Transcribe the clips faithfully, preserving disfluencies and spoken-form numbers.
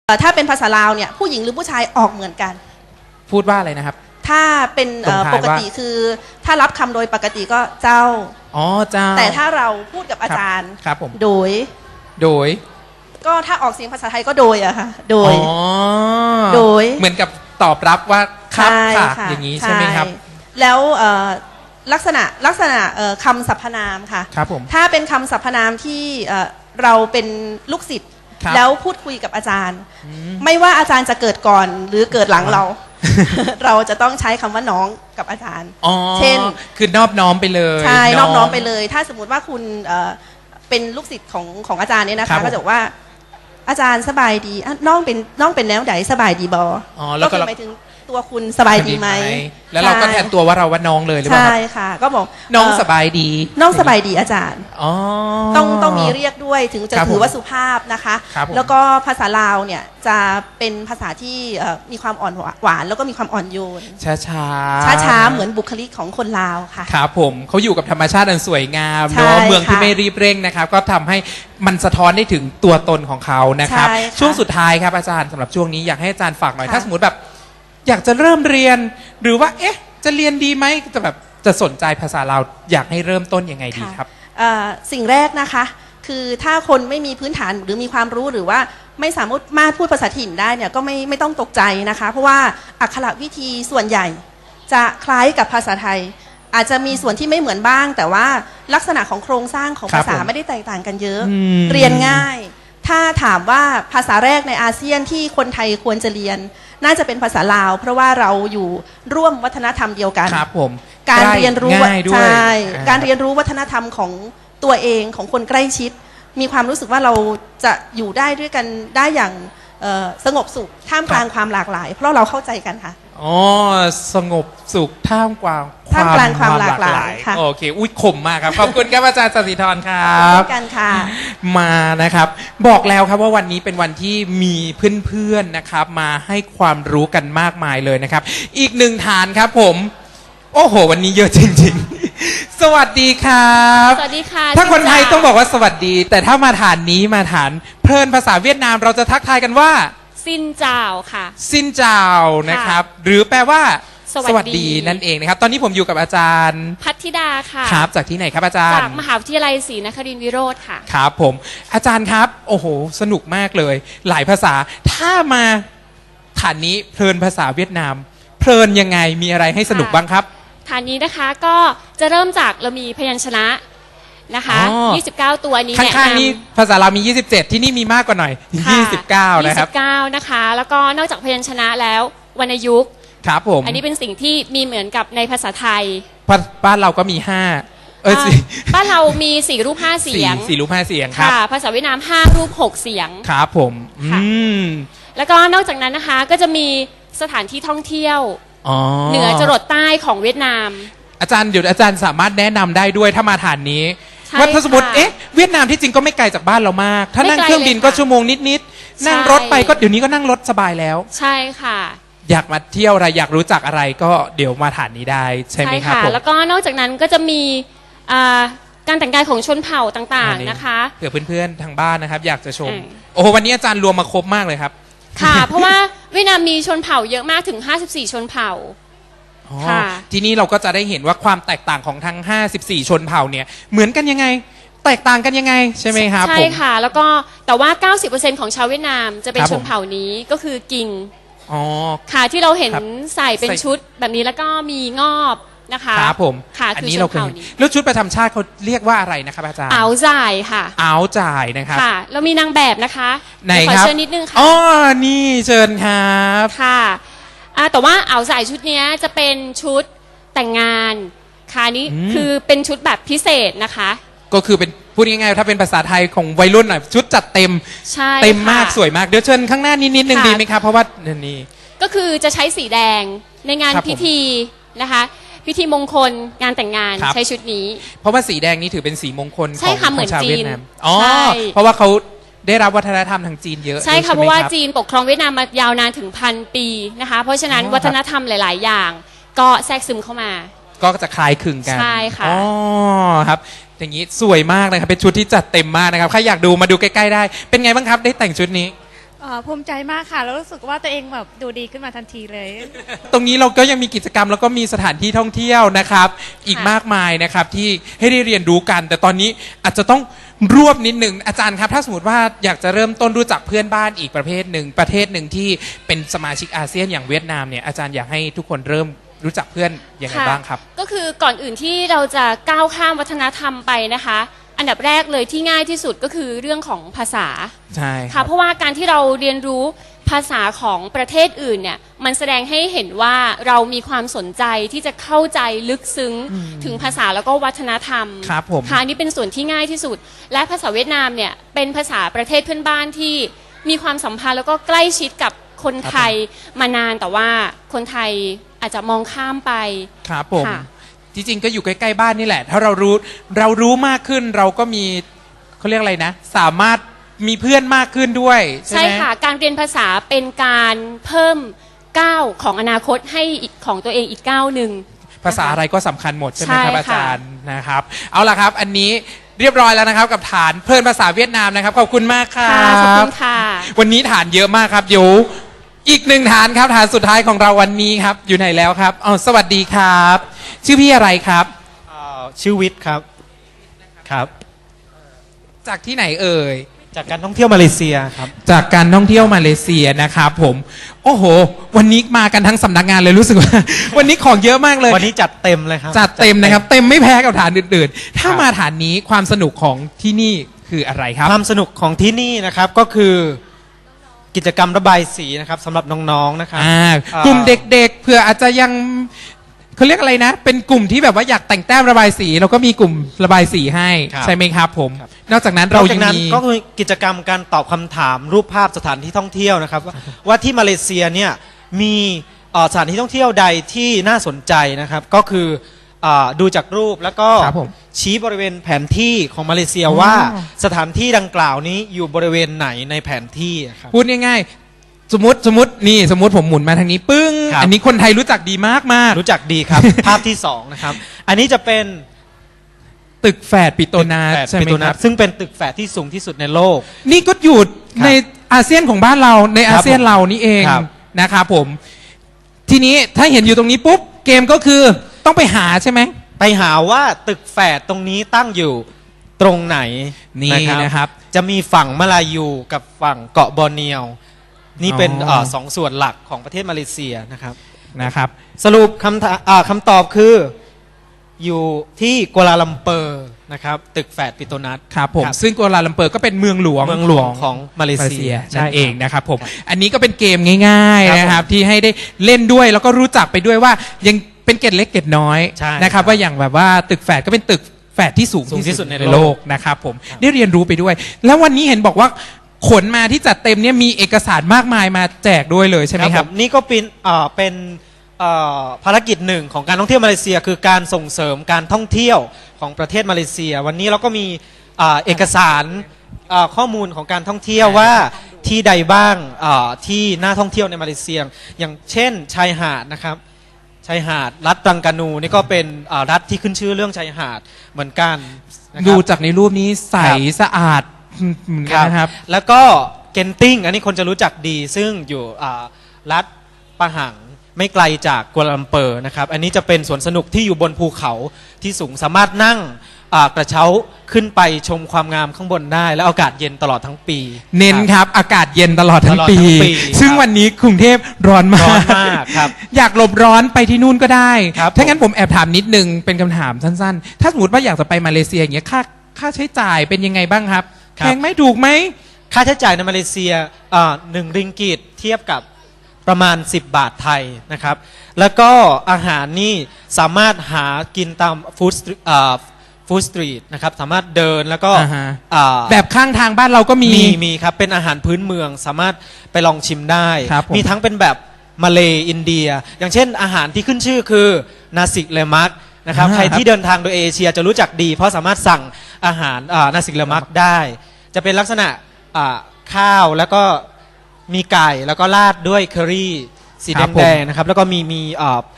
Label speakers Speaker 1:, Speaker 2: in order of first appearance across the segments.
Speaker 1: ถ้าเป็นภาษาลาวเนี่ยผู้หญิงหรือผู้ชายออกเหมือนกัน
Speaker 2: พูดว่าอะไรนะครับ
Speaker 1: ถ้าเป็นปกติคือถ้ารับคำโดยปกติก็เจ้า
Speaker 2: อ๋อเจ้า
Speaker 1: แต่ถ้าเราพูดกับอาจารย์
Speaker 2: ครับผม
Speaker 1: โดย
Speaker 2: โดย
Speaker 1: ก็ถ้าออกเสียงภาษาไทยก็โดยอะค่ะโดยโดย
Speaker 2: เหมือนกับตอบรับว่าครับค่ะอย่างนี้ใช่ไหมครับ
Speaker 1: แล้วลักษณะลักษณะคำสรรพนามค่ะ
Speaker 2: ครับผม
Speaker 1: ถ้าเป็นคำสรรพนามที่เราเป็นลูกศิษย์แล้วพูดคุยกับอาจารย์ไม่ว่าอาจารย์จะเกิดก่อนหรือเกิดหลังเราเราจะต้องใช้คำว่าน้องกับอาจารย์เช่น
Speaker 2: คือนอบน้อมไปเลย
Speaker 1: ใช่นอบน้อมไปเลยถ้าสมมติว่าคุณเป็นลูกศิษย์ของของอาจารย์เนี่ยนะคะก็จะบอกว่าอาจารย์สบายดีน้องเป็นน้องเป็นแนวไหนสบายดีบอก็คือหมายถึงตัวคุณสบายดีไหม
Speaker 2: แล้วเราก็แทนตัวว่าเราว่าน้องเลยหรือเปล่า
Speaker 1: ใช่ค่ะก็บอก
Speaker 2: น้องสบายดี
Speaker 1: น้องสบายดีอาจารย์ต้องต้องมีเรียกด้วยถึงจะถือว่าสุภาพนะคะแล้วก็ภาษาลาวเนี่ยจะเป็นภาษาที่มีความอ่อนหวานแล้วก็มีความอ่อนโยน
Speaker 2: ช้าช้า
Speaker 1: ช้าช้าเหมือนบุคลิกของคนลาวค่ะ
Speaker 2: ครับผมเขาอยู่กับธรรมชาติอันสวยงามเนาะเมืองที่ไม่รีบเร่งนะครับก็ทำให้มันสะท้อนได้ถึงตัวตนของเขานะครับช่วงสุดท้ายครับอาจารย์สำหรับช่วงนี้อยากให้อาจารย์ฝากหน่อยถ้าสมมติแบบอยากจะเริ่มเรียนหรือว่าเอ๊ะจะเรียนดีไหมจะแบบจะสนใจภาษาลาวอยากให้เริ่มต้นยังไงดีครับ
Speaker 1: สิ่งแรกนะคะคือถ้าคนไม่มีพื้นฐานหรือมีความรู้หรือว่าไม่สามารถพูดภาษาถิ่นได้เนี่ยก็ไม่ไม่ต้องตกใจนะคะเพราะว่าอักขระวิธีส่วนใหญ่จะคล้ายกับภาษาไทยอาจจะมีส่วนที่ไม่เหมือนบ้างแต่ว่าลักษณะของโครงสร้างของภาษาไม่ได้แตกต่างกันเยอะเรียนง่ายถ้าถามว่าภาษาแรกในอาเซียนที่คนไทยควรจะเรียนน่าจะเป็นภาษาลาวเพราะว่าเราอยู่ร่วมวัฒนธรรมเดียวกัน
Speaker 2: ครับผม
Speaker 1: การเรียนรู้ใช่การเรียนรู้วัฒนธรรมของตัวเองของคนใกล้ชิดมีความรู้สึกว่าเราจะอยู่ได้ด้วยกันได้อย่างสงบสุขท่ามกลางความหลากหลายเพราะเราเข้าใจกันค่ะ
Speaker 2: อ๋อสงบสุขท่ามกลาง
Speaker 1: ท่ามกลางความหลากหลายค่ะ
Speaker 2: โอเคอุ้ยขมมากครับขอบคุณครับอาจารย์สศิธรครับ
Speaker 1: ขอบคุณกันค่ะ
Speaker 2: มานะครับบอกแล้วครับว่าวันนี้เป็นวันที่มีเพื่อนๆนะครับมาให้ความรู้กันมากมายเลยนะครับอีกหนึ่งฐานครับผมโอ้โหวันนี้เยอะจริงๆสวัสดีครับ
Speaker 3: สวัสดีค่ะ
Speaker 2: ถ้าคนไทยต้องบอกว่าสวัสดีแต่ถ้ามาฐานนี้มาฐานเพลินภาษาเวียดนามเราจะทักทายกันว่า
Speaker 3: ซินเจ้าค่ะ
Speaker 2: ซินเจ้านะครับหรือแปลว่าสวัสดีนั่นเองนะครับตอนนี้ผมอยู่กับอาจารย์
Speaker 3: พัทธิดาค่ะ
Speaker 2: ครับจากที่ไหนครับอาจารย์
Speaker 3: จากมหาวิทยาลัยศรีนครินทร์วิโรธค่ะ
Speaker 2: ครับผมอาจารย์ครับโอ้โหสนุกมากเลยหลายภาษาถ้ามาฐานนี้เพลินภาษาเวียดนามเพลินยังไงมีอะไรให้สนุกบ้างครับ
Speaker 3: ฐานนี้นะคะก็จะเริ่มจากเรามีพยัญชนะนะคะยี่สิบเก้าตัวนี้
Speaker 2: ข้างๆนี้ภาษาเรามียี่สิบเจ็ดที่นี่มีมากกว่าหน่อยยี่สิบเก้านะครับ
Speaker 3: ยี่สิบเก้านะคะแล้วก็นอกจากพยัญชนะแล้ววรรณยุกต์
Speaker 2: ครับผม
Speaker 3: อันนี้เป็นสิ่งที่มีเหมือนกับในภาษาไทย
Speaker 2: บ้านเราก็มีห้าเออ
Speaker 3: บ้านเรามีสี่รูปห้าเสียง
Speaker 2: สี่รูปห้าเสียงครับ
Speaker 3: ภาษาเวียดนามห้ารูปหกเสียง
Speaker 2: ครับผมอืม
Speaker 3: แล้วก็นอกจากนั้นนะคะก็จะมีสถานที่ท่องเที่ยวเหนือจรดใต้ของเวียดนาม
Speaker 2: อาจารย์เดี๋ยวอาจารย์สามารถแนะนำได้ด้วยถ้ามาฐานนี้ว่าถ้าสมมติเอ๊ะเวียดนามที่จริงก็ไม่ไกลจากบ้านเรามากถ้านั่งเครื่องบินก็ชั่วโมงนิดๆนั่งรถไปก็เดี๋ยวนี้ก็นั่งรถสบายแล้ว
Speaker 3: ใช่ค่ะ
Speaker 2: อยากมาเที่ยวอะไรอยากรู้จักอะไรก็เดี๋ยวมาฐานนี้ได้ใช่ไหมครับผม
Speaker 3: แล้วก็นอกจากนั้นก็จะมีการแต่งกายของชนเผ่าต่างๆนะคะ
Speaker 2: เผื่อเพื่อนๆทางบ้านนะครับอยากจะชมโอ้โหวันนี้อาจารย์รวมมาครบมากเลยครับ
Speaker 3: ค่ะเพราะว่าเวียดนามมีชนเผ่าเยอะมากถึงห้าสิบสี่ชนเผ่า
Speaker 2: ทีนี้เราก็จะได้เห็นว่าความแตกต่างของทั้งห้าสิบสี่ชนเผ่าเนี่ยเหมือนกันยังไงแตกต่างกันยังไงใช่ไหมครับ
Speaker 3: ใช่ค่ะแล้วก็แต่ว่า เก้าสิบเปอร์เซ็นต์ ของชาวเวียดนามจะเป็นชนเผ่านี้ก็คือกิงค่ะที่เราเห็นใส่เป็นชุดแบบนี้แล้วก็มีงอบนะคะ
Speaker 2: ครับผม
Speaker 3: ค่ะอันนี้เราเคย
Speaker 2: แล้วชุดประจำชาติเขาเรียกว่าอะไรนะครับอาจารย์
Speaker 3: อ้าวจ่ายค่ะ
Speaker 2: อ้าวจ่ายนะครับ
Speaker 3: ค่ะเรามีนางแบบนะคะ
Speaker 2: ไหนครับ
Speaker 3: ขอเชิญนิดนึงค่ะ
Speaker 2: อ๋อนี่เชิญครับ
Speaker 3: ค่ะแต่ว่าอ้าวจ่ายชุดนี้จะเป็นชุดแต่งงานค่ะนี้คือเป็นชุดแบบพิเศษนะคะ
Speaker 2: ก็คือเป็นพูดง่ายๆถ้าเป็นภาษาไทยของวัยรุ่นหน่อยชุดจัดเต็ม
Speaker 3: ใช่
Speaker 2: เต็มมากสวยมากเดี๋ยวเชิญข้างหน้านิดนิดนึงดีไหมครับเพราะว่านี่
Speaker 3: ก็คือจะใช้สีแดงในงานพิธีนะคะพิธีมงคลงานแต่งงานใช้ชุดนี้
Speaker 2: เพราะว่าสีแดงนี้ถือเป็นสีมงคลของชาวเวียดนามอ๋อเพราะว่าเขาได้รับวัฒนธรรมทางจีนเยอะ
Speaker 3: ใช่ค่ะเพราะว่าจีนปกครองเวียดนามมายาวนานถึงพันปีนะคะเพราะฉะนั้นวัฒนธรรมหลายๆอย่างก็แทรกซึมเข้ามา
Speaker 2: ก็จะคล้ายคลึงกัน
Speaker 3: ใช่ค่ะ
Speaker 2: อ๋อครับอย่างนี้สวยมากเลยครับเป็นชุดที่จัดเต็มมากนะครับใครอยากดูมาดูใกล้ๆได้เป็นไงบ้างครับได้แต่งชุดนี้
Speaker 4: เอ่อภูมิใจมากค่ะแล้วรู้สึกว่าตัวเองแบบดูดีขึ้นมาทันทีเลย
Speaker 2: ตรงนี้เราก็ยังมีกิจกรรมแล้วก็มีสถานที่ท่องเที่ยวนะครับ อีกมากมายนะครับที่ให้ได้เรียนรู้กัน แต่ตอนนี้อาจจะต้องรวบนิดหนึ่งอาจารย์ครับถ้าสมมติว่าอยากจะเริ่มต้นรู้จักเพื่อนบ้านอีกประเภทหนึ่งประเทศหนึ่งที่เป็นสมาชิกอาเซียนอย่างเวียดนามเนี่ยอาจารย์อยากให้ทุกคนเริ่มรู้จักเพื่อนยังไงบ้างครับ
Speaker 3: ก็คือก่อนอื่นที่เราจะก้าวข้ามวัฒนธรรมไปนะคะอันดับแรกเลยที่ง่ายที่สุดก็คือเรื่องของภาษา
Speaker 2: ใช่
Speaker 3: ค่ะเพราะว่าการที่เราเรียนรู้ภาษาของประเทศอื่นเนี่ยมันแสดงให้เห็นว่าเรามีความสนใจที่จะเข้าใจลึกซึ้งถึงภาษาแล้วก็วัฒนธรรม
Speaker 2: ครับผม
Speaker 3: ค่ะนี่เป็นส่วนที่ง่ายที่สุดและภาษาเวียดนามเนี่ยเป็นภาษาประเทศเพื่อนบ้านที่มีความสัมพันธ์แล้วก็ใกล้ชิดกับคนไทยมานานแต่ว่าคนไทยอาจจะมองข้ามไป
Speaker 2: ครับผมจริงๆก็อยู่ใกล้ๆบ้านนี่แหละถ้าเรารู้เรารู้มากขึ้นเราก็มีเขาเรียกอะไรนะสามารถมีเพื่อนมากขึ้นด้วยใช่ไหม
Speaker 3: ใช่ค่ะการเรียนภาษาเป็นการเพิ่มก้าวของอนาคตให้ของตัวเองอีกก้าวหนึ่ง
Speaker 2: ภาษาอะไรก็สำคัญหมดใช่ไหมครับอาจารย์นะครับเอาล่ะครับอันนี้เรียบร้อยแล้วนะครับกับฐานเพิ่มภาษาเวียดนามนะครับขอบคุณมากครับ
Speaker 3: ขอบคุณค่ะ
Speaker 2: วันนี้ฐานเยอะมากครับเดี๋ยวอีกหนึ่งฐานครับฐานสุดท้ายของเราวันนี้ครับอยู่ไหนแล้วครับอ๋อสวัสดีครับชื่อพี่อะไรครับ
Speaker 5: ชื่อวิทย์ครับครับ
Speaker 2: จากที่ไหนเอ่ย
Speaker 5: จากการท่องเที่ยวมาเลเซียครับ
Speaker 2: จากการท่องเที่ยวมาเลเซียนะครับผมโอ้โหวันนี้มากันทั้งสำนักงานเลยรู้สึกว่า วันนี้ของเยอะมากเลย
Speaker 5: วันนี้จัดเต็มเลยครับ
Speaker 2: จัดเต็มนะครับเต็มไม่แพ้กับฐานอื่นๆถ้ามาฐานนี้ความสนุกของที่นี่คืออะไรครับ
Speaker 5: ความสนุกของที่นี่นะครับก็คือกิจกรรมระบายสีนะครับสำหรับน้องๆนะครับ
Speaker 2: กลุ่มเด็กๆเผื่ออาจจะยังเขาเรียกอะไรนะเป็นกลุ่มที่แบบว่าอยากแต่งแต้มระบายสีเราก็มีกลุ่มระบายสีให้ใช่ไหมครับผมนอกจากนั้นเรายังมี
Speaker 5: ก็คือกิจกรรมการตอบคำถามรูปภาพสถานที่ท่องเที่ยวนะครับว่าที่มาเลเซียเนี่ยมีสถานที่ท่องเที่ยวใดที่น่าสนใจนะครับก็คือดูจากรูปแล้วก็ชี้บริเวณแผนที่ของมาเลเซียว่าสถานที่ดังกล่าวนี้อยู่บริเวณไหนในแผนที่ครับ
Speaker 2: พูดง่ายๆสมมติสมมตินี่สมมติผมหมุนมาทางนี้ปึ้งอันนี้คนไทยรู้จักดีมากมาก
Speaker 5: รู้จักดีครับ ภาพที่สองนะครับอันนี้จะเป็น
Speaker 2: ตึกแฝดปิโตนาใช่ไหมครับ
Speaker 5: ซึ่งเป็นตึกแฝดที่สูงที่สุดในโลก
Speaker 2: นี่ก็อยู่ในอาเซียนของบ้านเราในอาเซียนเรานี่เองนะครับผมทีนี้ถ้าเห็นอยู่ตรงนี้ปุ๊บเกมก็คือต้องไปหาใช่ไหม
Speaker 5: ไปหาว่าตึกแฝดตรงนี้ตั้งอยู่ตรงไหน
Speaker 2: นี่นะครับ
Speaker 5: จะมีฝั่งมาลายูกับฝั่งเกาะบอร์เนียวนี่เป็นสองส่วนหลักของประเทศมาเลเซียนะครับ
Speaker 2: นะครับ
Speaker 5: สรุปคำคำตอบคืออยู่ที่กัวลาลัมเปอร์นะครับตึกแฝดปิโตนัส
Speaker 2: ครับผมซึ่งกัวลาลัมเปอร์ก็เป็นเมืองหลวง
Speaker 5: เมืองหลวงของมาเลเซีย
Speaker 2: นั่นเองนะครับผมอันนี้ก็เป็นเกมง่ายๆนะครับที่ให้ได้เล่นด้วยแล้วก็รู้จักไปด้วยว่ายังเป็นเกตเล็กเกตน้อยนะครับว่าอย่างแบบว่าตึกแฝดก็เป็นตึกแฝดที่สูงที่สุดในโลกนะครับผมได้เรียนรู้ไปด้วยแล้ววันนี้เห็นบอกว่าขนมาที่จัดเต็มเนี่ยมีเอกสารมากมายมาแจกด้วยเลยใช่ไหมครับ
Speaker 5: นี่ก็เป็นเป็นภารกิจหนึ่งของการท่องเที่ยวมาเลเซียคือการส่งเสริมการท่องเที่ยวของประเทศมาเลเซียวันนี้เราก็มีเอกสารข้อมูลของการท่องเที่ยวว่าที่ใดบ้างที่น่าท่องเที่ยวในมาเลเซียอย่างเช่นชายหาดนะครับชายหาดรัฐตรังกานูนี่ก็เป็นรัฐที่ขึ้นชื่อเรื่องชายหาดเหมือนกัน
Speaker 2: ดูจากในรูปนี้ใสสะอาดเหมือนกันนะครับ
Speaker 5: แล้วก็เกนติงอันนี้คนจะรู้จักดีซึ่งอยู่รัฐปะหังไม่ไกลจากกัวลาลัมเปอร์นะครับอันนี้จะเป็นสวนสนุกที่อยู่บนภูเขาที่สูงสามารถนั่งกระเช้าขึ้นไปชมความงามข้างบนได้และอากาศเย็นตลอดทั้งปี
Speaker 2: เน้นครับอากาศเย็นตลอดทั้งปีซึ่งวันนี้กรุงเทพร้อนมาก
Speaker 5: ครับ
Speaker 2: อยากหลบร้อนไปที่นู่นก็ได้ถ้างั้นผมแอบถามนิดนึงเป็นคำถามสั้นๆถ้าสมมติว่าอยากจะไปมาเลเซียอย่างเงี้ยค่าค่าใช้จ่ายเป็นยังไงบ้างครับแพงไหมถูกไหม
Speaker 5: ค่าใช้จ่ายในมาเลเซียหนึ่งริงกิตเทียบกับประมาณสิบบาทไทยนะครับแล้วก็อาหารนี่สามารถหากินตามฟู้ดฟู้ดสตรีทนะครับสามารถเดินแล้วก็
Speaker 2: แบบข้างทางบ้านเราก็มี
Speaker 5: มีมีครับเป็นอาหารพื้นเมืองสามารถไปลองชิมได้มีทั้งเป็นแบบมาเลอินเดียอย่างเช่นอาหารที่ขึ้นชื่อคือนาซิเลมักนะครับใครที่เดินทางโดยเอเชียจะรู้จักดีเพราะสามารถสั่งอาหารนาซิเลมักได้จะเป็นลักษณะข้าวแล้วก็มีไก่แล้วก็ราดด้วยเคอรี่สีแดงๆนะครับแล้วก็มีมี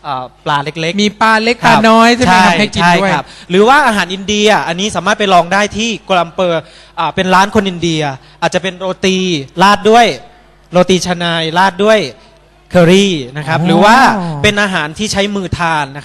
Speaker 5: เอ่อปลาเล็กๆ
Speaker 2: มีปลาเล็กปลาน้อยใช่ไหมครับให้กิน
Speaker 5: ใช่
Speaker 2: ด้วย
Speaker 5: ครับหรือว่าอาหารอินเดียอันนี้สามารถไปลองได้ที่กัวลัมเปอร์อ่าเป็นร้านคนอินเดีย อาจจะเป็นโรตีราดด้วยโรตีชนายราดด้วยเคอรี่นะครับ
Speaker 2: อ๋อ
Speaker 5: หรือว่าเป็นอาหารที่ใช้มือทานนะครับ